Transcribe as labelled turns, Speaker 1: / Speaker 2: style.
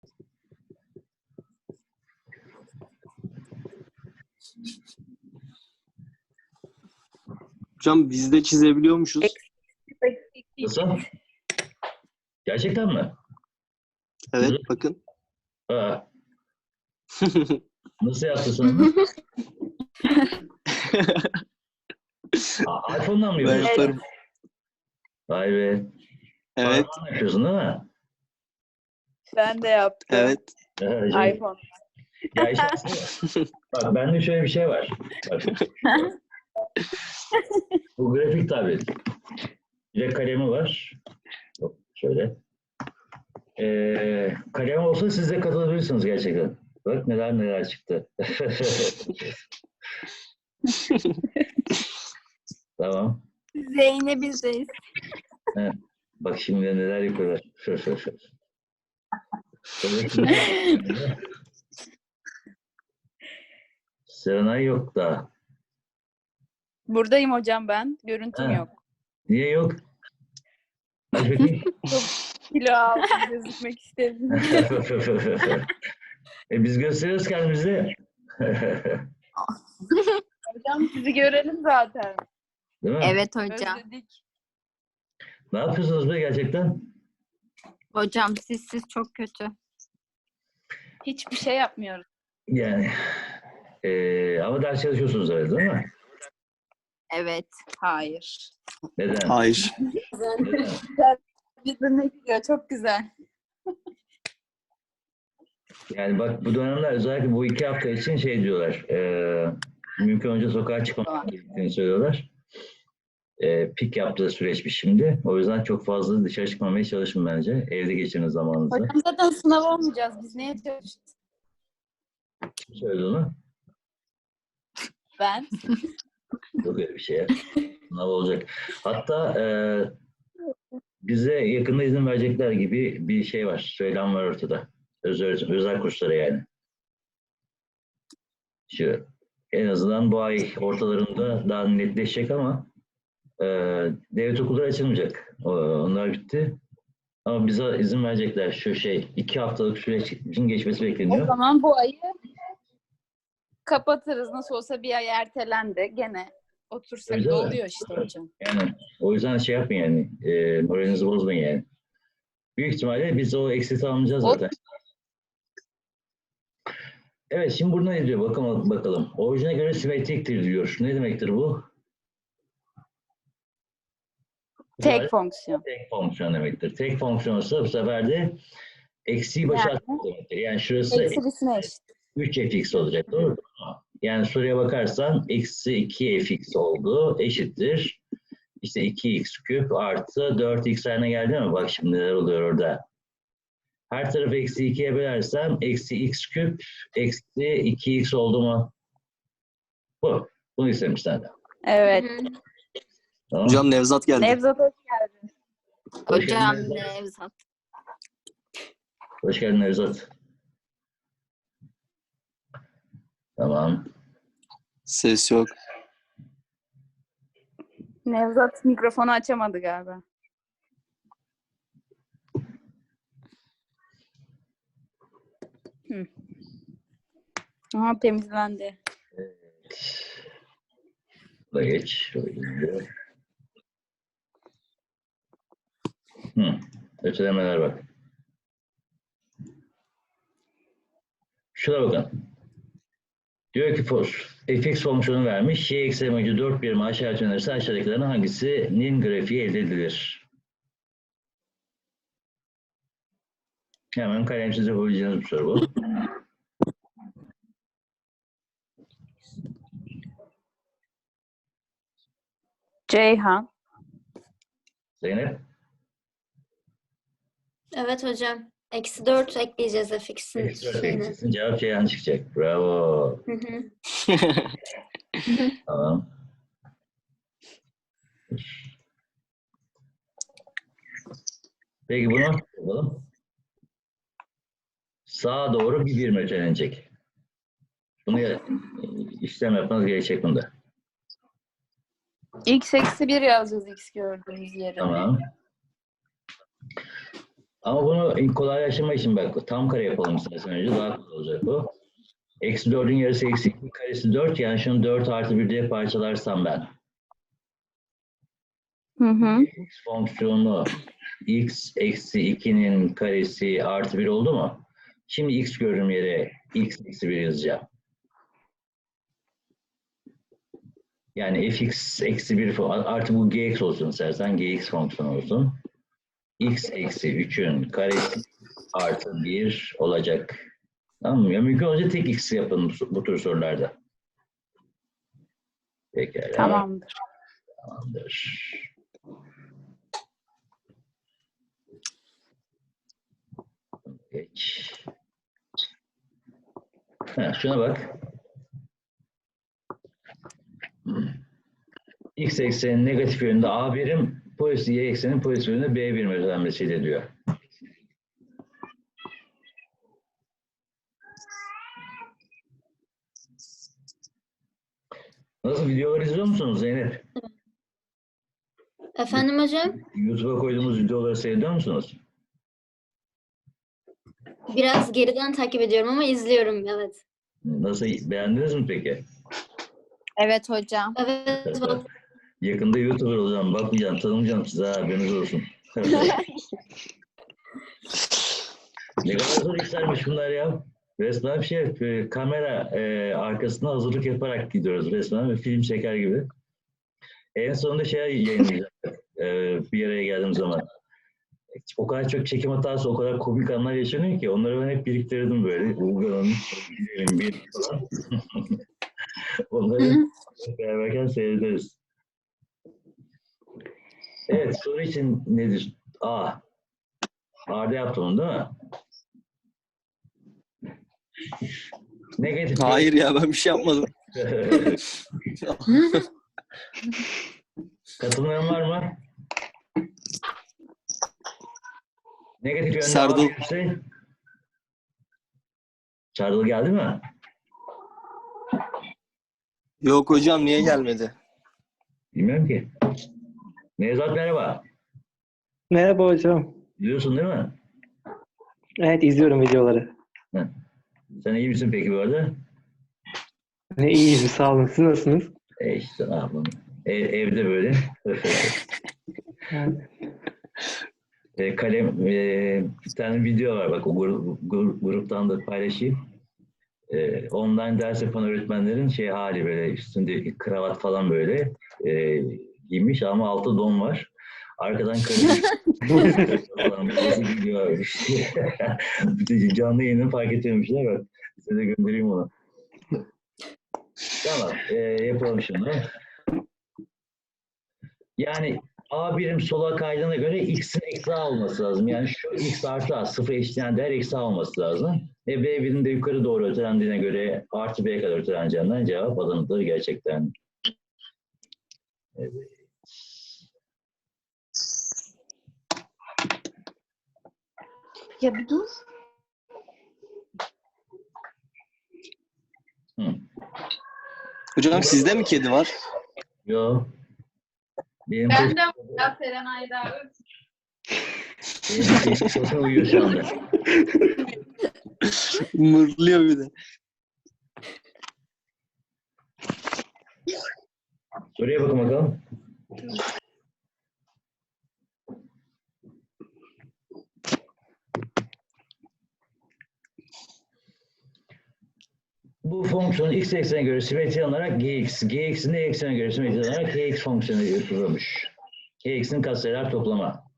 Speaker 1: Hocam biz de çizebiliyormuşuz.
Speaker 2: Nasıl? Gerçekten mi?
Speaker 1: Evet bakın.
Speaker 2: Aa, nasıl yaptın onu? iPhone'dan mı
Speaker 1: Ben
Speaker 2: yapıyorsun?
Speaker 1: yaparım.
Speaker 2: Vay be.
Speaker 1: Evet.
Speaker 2: Parmağınla yapıyorsun değil mi?
Speaker 3: Ben de yaptım.
Speaker 1: Evet.
Speaker 3: iPhone.
Speaker 2: Ya işte aslında, bak bende şöyle bir şey var. Bak. Bu grafik tablet. Bir de kalemi var. Hop, şöyle. Kalem olsa siz de katılabilirsiniz gerçekten. Bak neler neler çıktı. Tamam.
Speaker 4: Zeynep bizdeyiz.
Speaker 2: He. Bak şimdi neler yapıyorlar. Serenay yok da.
Speaker 3: Buradayım hocam ben. Görüntüm
Speaker 2: Ha.
Speaker 3: yok.
Speaker 2: Niye yok? Aç bakayım.
Speaker 3: Kilo aldım. Gözükmek istedim.
Speaker 2: Biz gösteriyoruz kendimizi.
Speaker 3: Hocam sizi görelim zaten.
Speaker 2: Değil mi?
Speaker 4: Evet hocam.
Speaker 3: Özledik.
Speaker 2: Ne yapıyorsunuz be gerçekten?
Speaker 4: Hocam siz çok kötü.
Speaker 3: Hiçbir şey yapmıyoruz.
Speaker 2: Yani. Ama ders çalışıyorsunuz herhalde değil mi?
Speaker 4: Evet.
Speaker 3: Hayır.
Speaker 2: Neden?
Speaker 1: Hayır.
Speaker 2: Neden?
Speaker 3: Bizden gidiyor. Çok güzel.
Speaker 2: Yani bak bu dönemler özellikle bu 2 hafta için şey diyorlar. Mümkün önce sokağa çıkmamak gerektiğini söylüyorlar. Pik yaptığı süreçmiş şimdi. O yüzden çok fazla dışarı çıkmamaya çalışın bence. Evde geçirin zamanınızı.
Speaker 3: Hocam zaten sınav olmayacağız. Biz neye çalışacağız?
Speaker 2: Kim söyledi onu?
Speaker 3: Ben.
Speaker 2: Yok öyle bir şey ya. Sınav olacak. Hatta bize yakında izin verecekler gibi bir şey var. Söylem var ortada. Özel kurslara yani. Şu, en azından bu ay ortalarında daha netleşecek ama devlet okulları açılmayacak. Onlar bitti. Ama bize izin verecekler. Şu şey 2 haftalık sürecin geçmesi
Speaker 3: O
Speaker 2: bekleniyor.
Speaker 3: zaman bu ayı kapatırız. Nasıl olsa bir ay ertelendi. Gene otursak
Speaker 2: Öyle
Speaker 3: da
Speaker 2: mi?
Speaker 3: oluyor işte hocam.
Speaker 2: Yani o yüzden şey yapmayın yani. Moralinizi bozmayın yani. Büyük ihtimalle biz o eksiti almayacağız zaten. Evet, şimdi burada ne diyor? Bakalım. Orijine göre simetriktir diyor. Ne demektir bu?
Speaker 3: Tek fonksiyon.
Speaker 2: Tek fonksiyon demektir. Tek fonksiyon ise bu sefer de eksiği başa atmak demektir. Yani şurası
Speaker 3: Eksilisine eşit.
Speaker 2: 3fx olacak. Doğru mu? Yani soruya bakarsan eksi 2fx oldu. Eşittir. İşte 2x küp artı 4x haline geldi mi? Bak şimdi neler oluyor orada. Her tarafı eksi 2'ye bölersem eksi x küp eksi 2x oldu mu? Bu. Bunu istemiş senden.
Speaker 3: Evet.
Speaker 2: Tamam.
Speaker 1: Hocam Nevzat geldi.
Speaker 3: Nevzat hoş geldin.
Speaker 2: Hoş
Speaker 4: Hocam
Speaker 2: geldin.
Speaker 4: Nevzat.
Speaker 2: Hoş geldin Nevzat. Tamam.
Speaker 1: Ses yok.
Speaker 3: Nevzat mikrofonu açamadı galiba. Aha temizlendi.
Speaker 2: Da geç. Şöyle. Ötelemeler bak. Şuna bakın. Diyor ki fx fonksiyonu vermiş. Y eksenimacı 4 birim aşağı yönelirse aşağıdakilerin hangisinin grafiği elde edilir? Hemen kalemsiz yapabileceğiniz bir soru bu.
Speaker 3: Ceyhan.
Speaker 2: Zeynep.
Speaker 5: Evet hocam. Eksi 4 ekleyeceğiz fx'in
Speaker 2: Eksi 4
Speaker 5: şeyine.
Speaker 2: ekleyeceksin. Cevap Ceyhan çıkacak. Bravo.
Speaker 5: Hı hı.
Speaker 2: Tamam. Peki bunu yapalım. Sağa doğru bir birim ötelenecek. Bunu işlem yapmanız gerekecek bunda.
Speaker 3: X eksi 1 yazacağız X gördüğümüz yere.
Speaker 2: Tamam. Ama bunu kolaylaştırmak için bak tam kare yapalım istersen önce daha kolay olacak bu. Eksi 4'ün yarısı eksi 2 karesi 4 yani şunu 4 artı 1 diye parçalarsam ben.
Speaker 4: Hı hı.
Speaker 2: X fonksiyonu x eksi 2'nin karesi artı 1 oldu mu? Şimdi x görünüm yere x eksi 1 yazacağım. Yani fx eksi 1 artı bu gx olsun istersen gx fonksiyonu olsun. X eksi 3'ün karesi artı 1 olacak. Tamam mı? Ya mümkün olunca tek x yapın bu tür sorularda. Pekala.
Speaker 3: Tamamdır.
Speaker 2: Tamamdır. Geç. Ha, şuna bak. X eksenin negatif yönünde A birim, pozitif Y eksenin pozitif yönünde B birim özelleşmesiyle diyor. Nasıl videoları izliyor musunuz Zeynep?
Speaker 5: Efendim hocam?
Speaker 2: YouTube'a koyduğumuz videoları seyrediyor musunuz?
Speaker 5: Biraz geriden takip ediyorum ama izliyorum, evet.
Speaker 2: Nasıl beğendiniz mi peki?
Speaker 3: Evet hocam.
Speaker 5: Evet, vallahi
Speaker 2: Yakında YouTuber olacağım, bakmayacağım, tanımayacağım size haberiniz olsun. Ne kadar zor işlermiş bunlar ya. Resmen kamera arkasına hazırlık yaparak gidiyoruz resmen ve film çeker gibi. En sonunda yayınlayacağım bir araya geldiğim zaman. O kadar çok çekim hatası, o kadar komik anlar yaşanıyor ki onları ben hep biriktirdim böyle. Ulga'nın bir falan. Onları beraberken seyrederiz. Evet, soru için nedir? A'da yaptım onu değil mi? Negatif.
Speaker 1: Hayır ya ben bir şey yapmadım.
Speaker 2: Katılmayan var mı? Negatif yönde
Speaker 1: Serdal.
Speaker 2: A gelirse. Serdal geldi mi?
Speaker 1: Yok hocam niye gelmedi?
Speaker 2: Bilmiyorum ki. Nevzat merhaba.
Speaker 6: Merhaba hocam.
Speaker 2: Biliyorsun değil mi?
Speaker 6: Evet izliyorum videoları.
Speaker 2: Sen iyi misin peki bu arada?
Speaker 6: Ne iyiyim sağ olun. Siz nasılsınız?
Speaker 2: İşte ne yapalım. Evde böyle. Kalem bir tane video var bak o gruptan da paylaşayım. Online ders yapan öğretmenlerin hali böyle üstünde kravat falan böyle giymiş ama altı don var. Arkadan karı falan nasıl gidiyor işte. Canlı yayını fark etmemişler bak. Size de göndereyim onu. Tamam yapalım şimdi. Yani A birim sola kaydığına göre x'in eksi A olması lazım. Yani şu x artı A sıfır eşitleyen değer eksi A olması lazım. B birim de yukarı doğru ötelendiğine göre artı B'ye kadar öteleneceğinden cevap Adana'dır gerçekten. Evet.
Speaker 3: Ya bir dur.
Speaker 1: Hocam sizde mi kedi var?
Speaker 2: Yo. Benim
Speaker 3: Ben de ya Serenay'da.
Speaker 2: kesin uyuyor şu anda.
Speaker 1: Mırlıyor bir de.
Speaker 2: Soruya bakın bakalım. Bu fonksiyon x eksenine göre simetri alarak gx'in de y eksenine göre simetri alarak kx fonksiyonu yapılmış. Kx'in katsayılar toplama.